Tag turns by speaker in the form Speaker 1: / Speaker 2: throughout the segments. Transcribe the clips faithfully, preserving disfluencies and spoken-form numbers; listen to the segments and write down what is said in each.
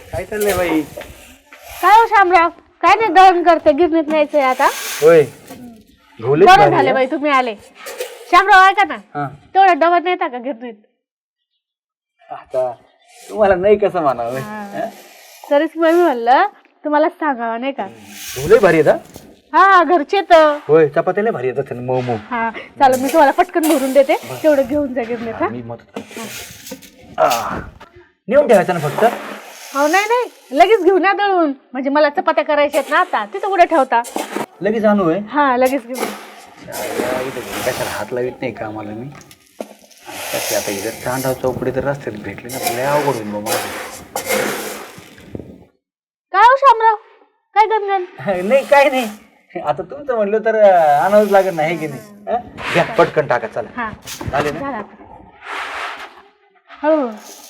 Speaker 1: काय चाललंय बाई?
Speaker 2: काय हो शामराव, काय नाही दळण करते, गिरणीत न्यायचंय आता.
Speaker 1: होय घोले
Speaker 2: बरं झाले बाई तुम्ही आले. शामराव ऐका ना, तेवढा डबा नेता का गिरणीत?
Speaker 1: आता तुम्हाला नाही कसं म्हणावं.
Speaker 2: तरीच मी म्हणलं तुम्हाला सांगावं नाही का.
Speaker 1: घोले भारी येतात.
Speaker 2: हा घरचे तर.
Speaker 1: होय चपात्या लय भारी येतात मऊ मऊ.
Speaker 2: हा चालेल, मी तुम्हाला पटकन भरून देते, तेवढं घेऊन जा गिरणीत. हा
Speaker 1: मी मदत करतो. नेऊन ठेवायचं ना फक्त.
Speaker 2: हो नाही नाही लगेच घेऊन या दळून, म्हणजे मला चपात्या करायच्या आहेत ना आता. तिथं कुठे ठेवता?
Speaker 1: लगेच आणू आहे.
Speaker 2: हा लगेच घेऊन.
Speaker 1: कशाला हात लावित नाही का मला मी. आता इथं तांडाव चौकडे तर रस्त्यात भेटले ना लय अवघड होईल बाबा.
Speaker 2: काय हो शामराव, काय गणगण?
Speaker 1: नाही काय नाही, आता तुमचं म्हणलं तर आणावंच लागत नाही की नाही. घ्या पटकन टाका चला.
Speaker 2: हा
Speaker 1: झाले ना.
Speaker 2: झाला. हो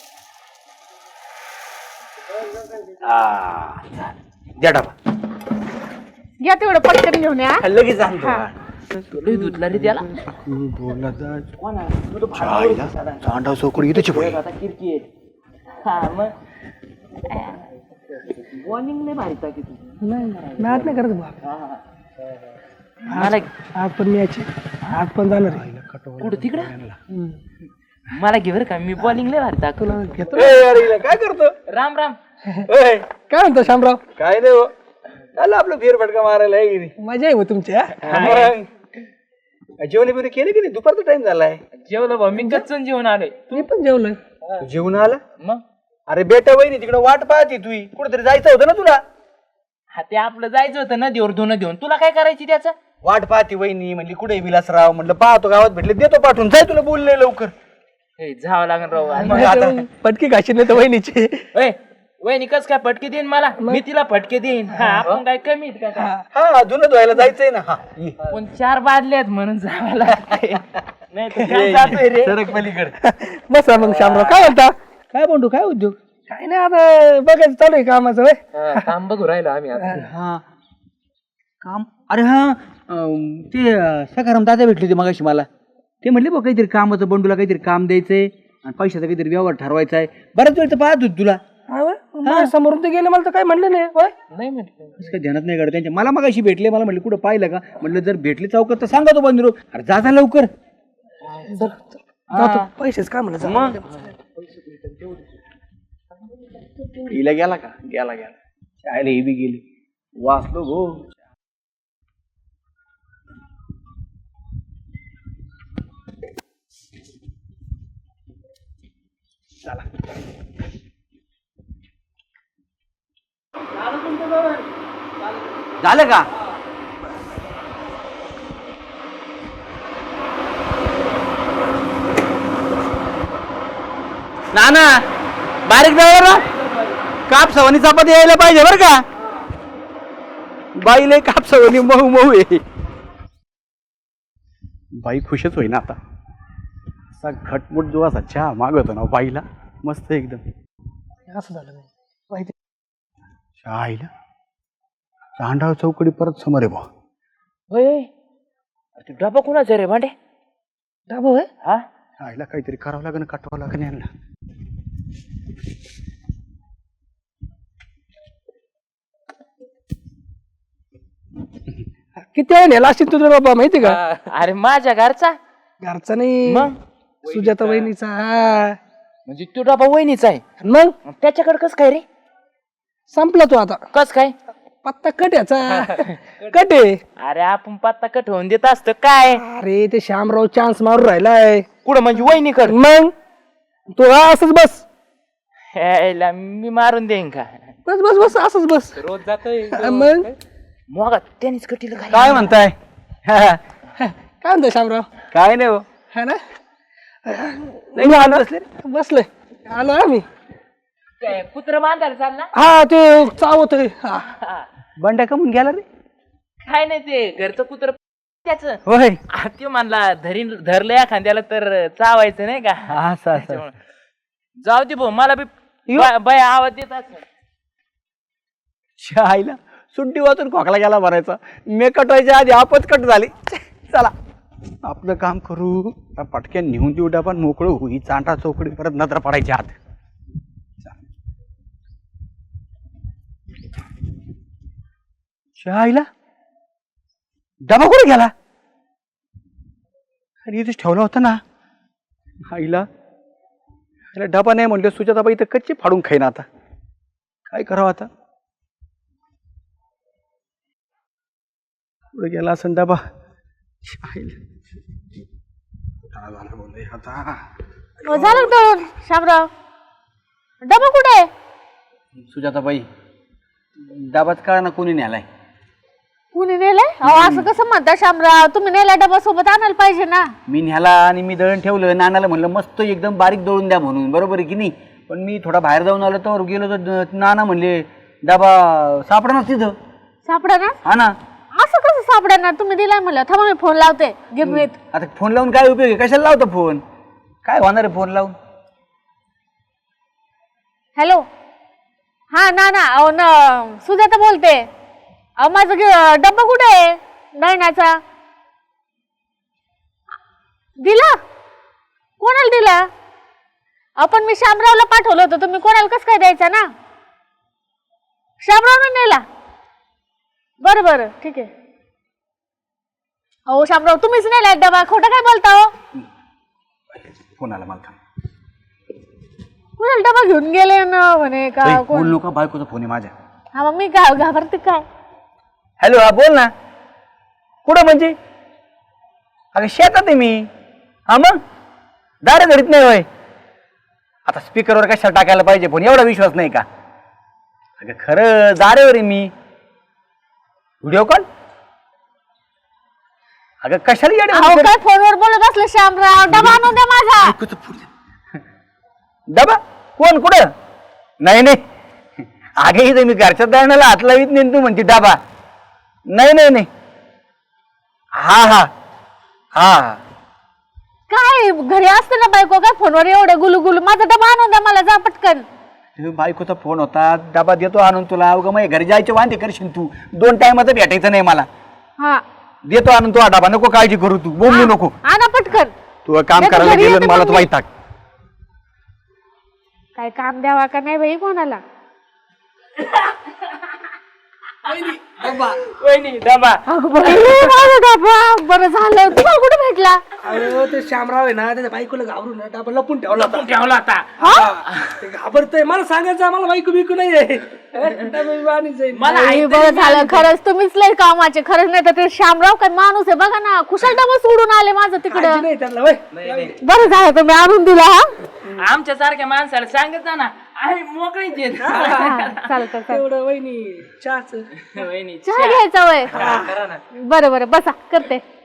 Speaker 1: द्या डबा.
Speaker 2: घ्या तेवढं पटकन घेऊन या.
Speaker 1: लगेच आणतो.
Speaker 3: धुतला रे त्याला.
Speaker 1: तांडाव चौकडी इथेच
Speaker 3: वॉर्निंग नाही मारिता की तू.
Speaker 4: मॅच नाही करत बा. आज पण मॅच आज पण जाणार आहे.
Speaker 3: कुठं तिकडं मला घे बरं का, मी बॉलिंग लय मारिता.
Speaker 4: तुला घेतो.
Speaker 1: काय करतो?
Speaker 3: राम राम.
Speaker 4: काय म्हणतो शामराव?
Speaker 1: काय नाही हो, चाललं आपलं फेर फटका मारायला आहे की नाही.
Speaker 4: मजा आहे तुमची.
Speaker 1: जेवण बिवणे केले की नाही? दुपारचा टाइम झालाय.
Speaker 3: जेवलो भाऊ, मी गच्चून जेवण आलोय.
Speaker 4: मी पण जेवलोय.
Speaker 1: तू जेवण आला?
Speaker 3: मग
Speaker 1: अरे बेटा वहिनी तिकडे वाट पाहते, तू कुठेतरी जायचं होतं ना तुला.
Speaker 3: हा ते आपलं जायचं होतं नदीवर धुणं देऊन. तुला काय करायची त्याचं?
Speaker 1: वाट पाहते वहिनी, म्हणली कुठे विलासराव, म्हणलं पाहतो गावात भेटले देतो पाठवून, जाय तुला बोलले लवकर.
Speaker 3: जावं लागेल राव.
Speaker 1: मग आता
Speaker 4: पटकी घाशी नाही तर वहिनीची.
Speaker 3: वहिनी कस काय फटके देईन मला, मी तिला फटके देईन. हा आपण काय कमी आहेत का काय?
Speaker 1: हा धुणं धुवायला जायचंय ना. हा ये.
Speaker 3: पण चार बादल्यात म्हणून जावं लागतंय. नाही तर काय जातोय रे.
Speaker 1: सरक पलीकडे.
Speaker 4: बसा मग शामराव, काय म्हणता? काय म्हणतो, काय उद्योग? काय नाही, आता बघायचं चालू आहे कामाचं. होय
Speaker 3: काम बघू राहिलो आम्ही आता.
Speaker 1: हा काम. अरे हा ते सकाराम दादा भेटले होते मगाशी मला. ते म्हणले बघ काहीतरी कामाचं, बंडूला काहीतरी काम द्यायचंय आणि पैशाचा काहीतरी व्यवहार ठरवायचा आहे. बऱ्याच वेळ तर पाहत होत तुला.
Speaker 4: समोरून ते गेले, मला तर काय म्हणलं नाही. होय
Speaker 3: नाही म्हटलं
Speaker 1: काही ध्यानात नाही काढत त्यांच्या. मला मगाशी भेटले, मला म्हणले कुठं पाहिलं का, म्हटलं जर भेटले चौकात तर सांगा तो बंधू. अरे जा जा लवकर.
Speaker 4: पैसेच काय म्हणलं.
Speaker 3: मग
Speaker 1: हिला गेला का? गेला गेला. शाळेला हे बी गेली. वाचलो गो. चला झालं का? ना ना बारीक जाऊ ना. काप सवनी चपाती यायला पाहिजे बरं का. बाईला काप सवनी मऊ मऊ आहे. बाई खुशच होईना आता. असा घटमुट जो असा चहा मागवतो ना बाईला, मस्त एकदम.
Speaker 4: असं झालं माहिती.
Speaker 1: आईला तांडाव चौकडी परत समोर आहे बा.
Speaker 3: होय ते डबा कोणाचा रे भांडे?
Speaker 4: डाबा होय.
Speaker 3: हा
Speaker 1: आईला काहीतरी करावं लागेल, काटवावं लागेल यांना.
Speaker 4: किती आहे नेला असतील तुझा बाबा माहिती का?
Speaker 3: अरे माझ्या घरचा.
Speaker 4: घरचा नाही,
Speaker 3: मग
Speaker 4: सुजाता वहिनीचा. हा
Speaker 3: म्हणजे तो डबा वहिनीचा आहे.
Speaker 4: मग
Speaker 3: त्याच्याकडे कस काय रे?
Speaker 4: संपला तो आता.
Speaker 3: कस काय?
Speaker 4: पत्ता कट याचा. कट आहे.
Speaker 3: अरे आपण पत्ता कट होऊन देत असतो काय?
Speaker 4: अरे ते श्यामराव चान्स मारून राहिलाय.
Speaker 3: कुठं म्हणजे वहिनीकडे?
Speaker 4: मग तो असंच बस.
Speaker 3: ह्याला मी मारून देईन का?
Speaker 4: बस बस बस असंच बस.
Speaker 3: रोज जातोय
Speaker 4: मग
Speaker 3: मग त्यांनीच कटील
Speaker 1: काय म्हणताय?
Speaker 4: काय म्हणतो श्यामराव?
Speaker 1: काय नाही हो.
Speaker 4: है ना. बसले बसले आलो आम्ही.
Speaker 3: कुत्र बांधायला चालला.
Speaker 4: हा ते चावत.
Speaker 1: बंड्या कमून गेला रे.
Speaker 3: काय नाही ते घरचं कुत्र त्याच.
Speaker 1: होय
Speaker 3: ते म्हणला धरीन धरलं एखाद्याला तर चावायचं नाही का.
Speaker 1: असं असं.
Speaker 3: जाऊ दे भाऊ, मला बी बाय आवाज देत
Speaker 1: आईला सुट्टी वाचून खोकला गेला भरायचा. मे कटवायच्या आधी आपच कट झाली. चला आपलं काम करू. पटक्यान नेऊन देऊ डबा, मोकळं होई. चांटा चौकडी परत नजर पडायची आत. आईला डबा कुठे गेला? अरे इथेच ठेवला होता ना आईला. अरे डबा नाही म्हणलं, सुजाताबाई तर कच्ची फाडून खाईन. आता काय करावं? आता कुठे गेला असं डबा? आता
Speaker 2: हो, झालं का दळून शामराव? डबा कुठे आहे?
Speaker 1: सुजाताबाई डबाच कळा ना कोणी न्यालाय.
Speaker 2: कुणी नेलाय? अहो असं कसं म्हणता शामराव? तुम्ही नेला डबा सोबत आणायला पाहिजे ना.
Speaker 1: मी न्याला आणि मी दळण ठेवलं. नानाला म्हणलं मस्त एकदम बारीक दळून द्या म्हणून, बरोबर आहे की नाही? पण मी थोडा बाहेर जाऊन आलो तर गेलो तर नाना म्हणले डबा सापडा ना तिथं.
Speaker 2: सापडा ना?
Speaker 1: हा ना.
Speaker 2: असं कसं सापडा ना? तुम्ही दिलाय म्हणलं. थांबा मी फोन लावते गिरणीत.
Speaker 1: आता फोन लावून काय उपयोग आहे? कशाला लावतो फोन? काय होणार आहे फोन लावून?
Speaker 2: हॅलो, हा ना ना अहो ना सुजाता बोलते. अहो माझं गे- डब्बा कुठे आहे दळण्याचा? दिला? कोणाला दिला? आपण मी शामरावला पाठवलं होतं, तुम्ही कोणाला कसं काय द्यायचा ना? शामरावने नेला? बरं बरं ठीक आहे. अहो शामराव तुम्हीच नेला डबा, खोटं काय बोलता हो?
Speaker 1: फोन आला मला.
Speaker 2: कुणाला डबा घेऊन गेले ना म्हणे का कोण?
Speaker 1: बोल नका, बायकोचा फोन आहे माझ्या.
Speaker 2: हा मग मी घा- घाबरते काय?
Speaker 1: हॅलो, हा बोल ना. कुठं म्हणजे? अगं शेतात आहे मी. हा मग दारे धरीत नाही होय. आता स्पीकरवर कशाला टाकायला पाहिजे फोन? एवढा विश्वास नाही का? अगं खरं दारेवर आहे मी. Video call? अगं कशाला येडे
Speaker 2: अहो काय फोनवर बोलत असले शामराव? डबा आणून द्या माझा.
Speaker 1: बायकोचं फोन. डबा कोण? कुठं? नाही नाही, अगे इथे मी घरच्या दळणाला हात लावीत नाही. तू म्हणते डबा? नाही नाही नाही. हा हा हा हा.
Speaker 2: काय घरी असते ना बायको, काय फोनवर एवढे गुलू गुलू? माझा डबा आणून द्या मला, जा पटकन.
Speaker 1: तुम्ही बायकोचा फोन होता, डबा देतो आणून तुला. अवघं मग घरी जायचे वांदे करशील तू. दोन टायमाचं भेटायचं नाही मला.
Speaker 2: हा
Speaker 1: देतो आणून तू हा डबा. नको काळजी करू तू, बोंबू नको.
Speaker 2: आणा पटकन.
Speaker 1: तू काम
Speaker 2: नाही तर
Speaker 1: करायला
Speaker 2: घरी
Speaker 1: गेलं
Speaker 2: येते
Speaker 1: मला
Speaker 2: मग
Speaker 1: तू
Speaker 2: मी.
Speaker 1: वैताग.
Speaker 2: काय काम द्यावा का नाही बाई कोणाला?
Speaker 3: वहिनी डबा.
Speaker 2: अगं बाई, माझा डबा. बरं झालं. तुम्हाला कुठे भेटला?
Speaker 4: अहो ते शामराव आहे ना, त्याच्या बायकोला घाबरून ना डबा लपून ठेवला होता.
Speaker 3: ठेवला आता.
Speaker 4: ते घाबरतय. मला सांगायचं मला बायको बिकू नाहीये. डबा बिबा आणि जाईल.
Speaker 3: मला
Speaker 2: बाई, बरं झालं. खरंच तुम्हीच लय कामाचे. खरंच नाही तर ते शामराव काय माणूस आहे बघा ना. कुशल डबा सोडून आले माझं तिकडं.
Speaker 4: काळजी नाही त्यांना वय.
Speaker 2: बरं झालं तुम्ही आणून दिला. हा
Speaker 3: आमच्या सारख्या माणसाला सांगत जा ना, आम्ही मोकळीच येत.
Speaker 2: हा, चालतं चालतं.
Speaker 4: तेवढं वहिनी चहाच.
Speaker 3: वहिनी
Speaker 2: चहा घ्यायचा वय.
Speaker 3: करा ना.
Speaker 2: बरं बरं बसा करते.